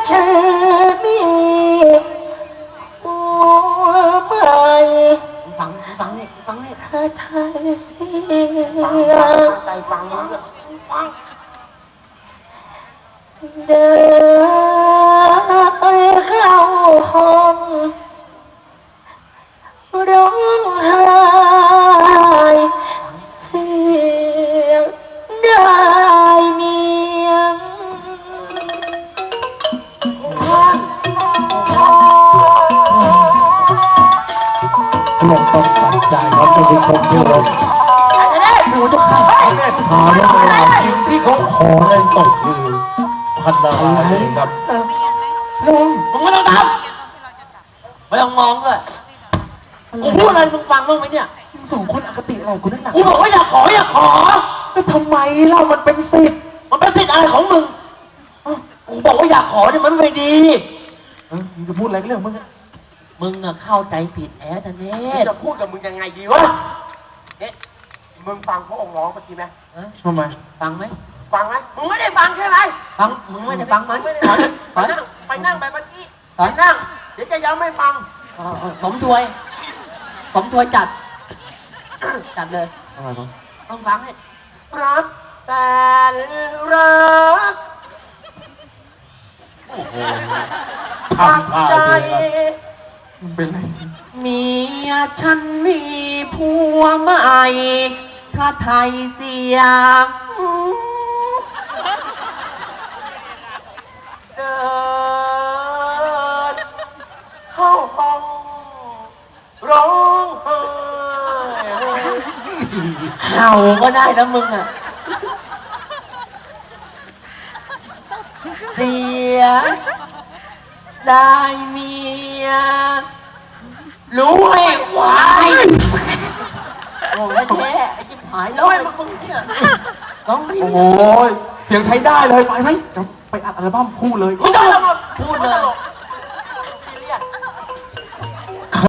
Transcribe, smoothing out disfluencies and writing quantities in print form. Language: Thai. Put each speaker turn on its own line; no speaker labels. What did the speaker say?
ฉันมีหัวใหม่
ฟังนี่
ถ้าไทยเสีย
ใจฟังมึงฟัง
เดินเข้าห้องร้องไห้เสียงได้เมียง
ลงต้องตัดใจครับจะเป็นคนที่เราดูจะขาดหาเรื่องราวสิ่งที่เขาขอในตกคือพันดาวเองครับลุง
มึงไม่ต้องทำไม่ต้องมองด้วยกูพูดอะไรมึงฟังบ้างไหมเนี่ย
ส่งคนอคติอะไรกูนั่นหนัก
กูบอกว่าอย่าขอ
ก็ทำไมเรามันเป็นสิทธิ์
มันเป็นสิทธิ์อะไรของมึงกูบอกว่าอย่าขอเนี่ยมันไม่ดี
มึงจะพูดอะไรก็เรื่องมึง
มึงอะเข้าใจผิดแท้ทะเนศ
จะพูดกับมึงยังไงดีวะเนี่ยมึงฟังพระองค์ร้องเมื่อกี้ไหม
ทำไม
ฟังไหม
ฟังไหมมึงไม่ได้ฟังใช่ไหม
ฟังมึงไม่ได้ฟังมัน
ไม่ได้
ถ
ฟั
อง ย
ไปนั่งไปเมื่อกี้
ถอย
ไปนั่ง เดี๋ยวจะย้ำไม่ฟัง
สมถวยจัดเลย
อะไรวะ
ต้องฟังเนี่ย
รักแสนรัก
ทำท่า
ใจ
เลยครับมึงเป็นอะไร
เมียฉันมีผัวใหม่พระไทยเสียง
เดินเข้าห้องร้องไห้
เห่าก็ได้นะมึงอ่ะเสียได้เมียรู้ไอ้ควายโอ้ยแท้ไอ้จิ๊บหายแล้วไอ้มึงเนี่ยร้องไม่
โอ้ยเสียงใช้ได้เลยไปไหมจะไปอัดอัลบั้มคู่เลย
ไม่ต้องพูดเลย